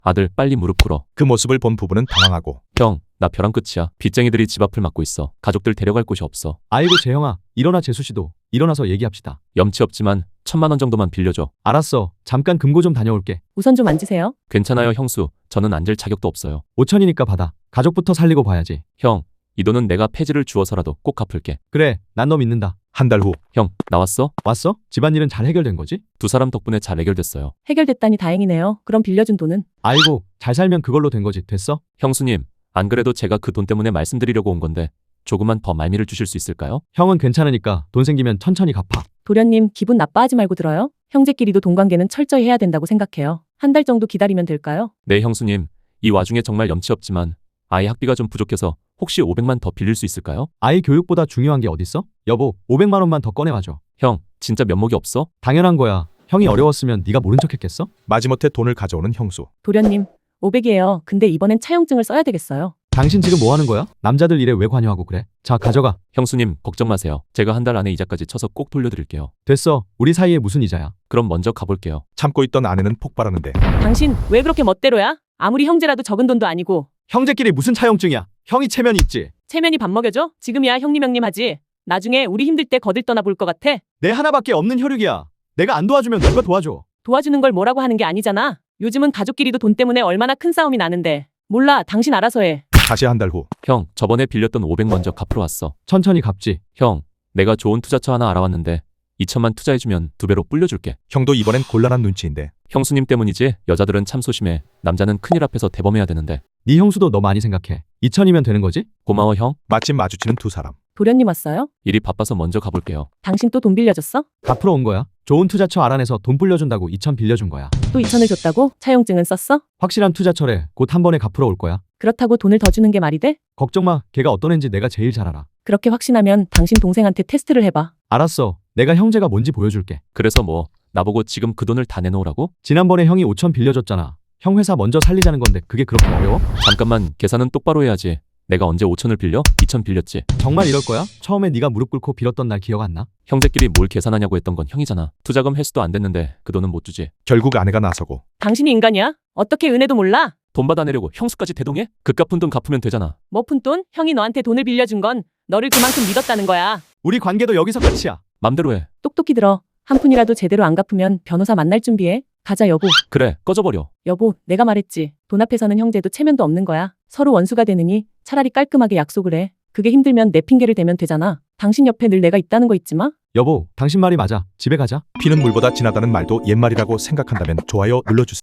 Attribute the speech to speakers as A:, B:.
A: 아들 빨리 무릎 꿇어.
B: 그 모습을 본 부부는 당황하고
A: 형, 나 벼랑 끝이야. 빚쟁이들이 집 앞을 막고 있어. 가족들 데려갈 곳이 없어.
C: 아이고 재형아, 일어나. 재수씨도 일어나서 얘기합시다.
A: 염치 없지만 1,000만 원 정도만 빌려줘.
C: 알았어. 잠깐 금고 좀 다녀올게.
D: 우선 좀 앉으세요.
A: 괜찮아요 형수. 저는 앉을 자격도 없어요.
C: 5천이니까 받아. 가족부터 살리고 봐야지.
A: 형, 이 돈은 내가 폐지를 주어서라도 꼭 갚을게.
C: 그래, 난 너 믿는다.
B: 한 달 후
A: 형, 나왔어?
C: 왔어? 집안일은 잘 해결된 거지?
A: 두 사람 덕분에 잘 해결됐어요.
D: 해결됐다니 다행이네요. 그럼 빌려준 돈은?
C: 아이고, 잘 살면 그걸로 된 거지. 됐어?
A: 형수님, 안 그래도 제가 그 돈 때문에 말씀드리려고 온 건데 조금만 더 말미를 주실 수 있을까요?
C: 형은 괜찮으니까 돈 생기면 천천히 갚아.
D: 도련님, 기분 나빠하지 말고 들어요. 형제끼리도 돈 관계는 철저히 해야 된다고 생각해요. 한 달 정도 기다리면 될까요?
A: 네 형수님, 이 와중에 정말 염치 없지만 아이 학비가 좀 부족해서 혹시 500만 더 빌릴 수 있을까요?
C: 아이 교육보다 중요한 게 어딨어? 여보, 500만 원만 더 꺼내와줘.
A: 형, 진짜 면목이 없어?
C: 당연한 거야. 형이 어려웠으면 네가 모른 척했겠어?
B: 마지못해 돈을 가져오는 형수.
D: 도련님, 500이에요. 근데 이번엔 차용증을 써야 되겠어요.
C: 당신 지금 뭐 하는 거야? 남자들 일에 왜 관여하고 그래? 자, 가져가.
A: 형수님, 걱정 마세요. 제가 한 달 안에 이자까지 쳐서 꼭 돌려드릴게요.
C: 됐어. 우리 사이에 무슨 이자야?
A: 그럼 먼저 가볼게요.
B: 참고 있던 아내는 폭발하는데
D: 당신 왜 그렇게 멋대로야? 아무리 형제라도 적은 돈도 아니고.
C: 형제끼리 무슨 차용증이야? 형이 체면이 있지.
D: 체면이 밥 먹여줘? 지금이야 형님 형님 하지. 나중에 우리 힘들 때 거들 떠나 볼 것 같아.
C: 내 하나밖에 없는 혈육이야. 내가 안 도와주면 누가 도와줘?
D: 도와주는 걸 뭐라고 하는 게 아니잖아. 요즘은 가족끼리도 돈 때문에 얼마나 큰 싸움이 나는데. 몰라, 당신 알아서 해.
B: 다시 한 달 후
A: 형, 저번에 빌렸던 500 먼저 갚으러 왔어.
C: 천천히 갚지.
A: 형, 내가 좋은 투자처 하나 알아왔는데 2천만 투자해주면 2배로 불려줄게.
B: 형도 이번엔 곤란한 눈치인데
A: 형수님 때문이지? 여자들은 참 소심해. 남자는 큰일 앞에서 대범해야 되는데.
C: 네 형수도 너 많이 생각해. 2천이면 되는 거지?
A: 고마워 형.
B: 마침 마주치는 두 사람.
D: 도련님 왔어요?
A: 일이 바빠서 먼저 가볼게요.
D: 당신 또 돈 빌려줬어?
C: 갚으러 온 거야. 좋은 투자처 알아내서 돈 불려준다고 2천 빌려준 거야.
D: 또 2천을 줬다고? 차용증은 썼어?
C: 확실한 투자처래. 곧 한 번에 갚으러 올 거야.
D: 그렇다고 돈을 더 주는 게 말이 돼?
C: 걱정 마. 걔가 어떤 애인지 내가 제일 잘 알아.
D: 그렇게 확신하면 당신 동생한테 테스트를 해봐.
C: 알았어. 내가 형제가 뭔지 보여줄게.
A: 그래서 뭐 나보고 지금 그 돈을 다 내놓으라고?
C: 지난번에 형이 5천 빌려줬잖아. 형 회사 먼저 살리자는 건데 그게 그렇게 어려워?
A: 잠깐만, 계산은 똑바로 해야지. 내가 언제 5천을 빌려? 2천 빌렸지.
C: 정말 이럴 거야? 처음에 네가 무릎 꿇고 빌었던 날 기억 안 나?
A: 형제끼리 뭘 계산하냐고 했던 건 형이잖아. 투자금 회수도 안 됐는데 그 돈은 못 주지.
B: 결국 아내가 나서고
D: 당신이 인간이야? 어떻게 은혜도 몰라?
A: 돈 받아내려고 형수까지 대동해? 그 갚은 돈 갚으면 되잖아.
D: 뭐 푼 돈? 형이 너한테 돈을 빌려준 건 너를 그만큼 믿었다는 거야.
C: 우리 관계도 여기서 끝이야.
A: 맘대로 해.
D: 똑똑히 들어. 한 푼이라도 제대로 안 갚으면 변호사 만날 준비해. 가자 여보.
A: 그래, 꺼져버려.
D: 여보, 내가 말했지. 돈 앞에서는 형제도 체면도 없는 거야. 서로 원수가 되느니 차라리 깔끔하게 약속을 해. 그게 힘들면 내 핑계를 대면 되잖아. 당신 옆에 늘 내가 있다는 거 잊지 마.
C: 여보, 당신 말이 맞아. 집에 가자.
B: 피는 물보다 진하다는 말도 옛말이라고 생각한다면 좋아요 눌러주세요.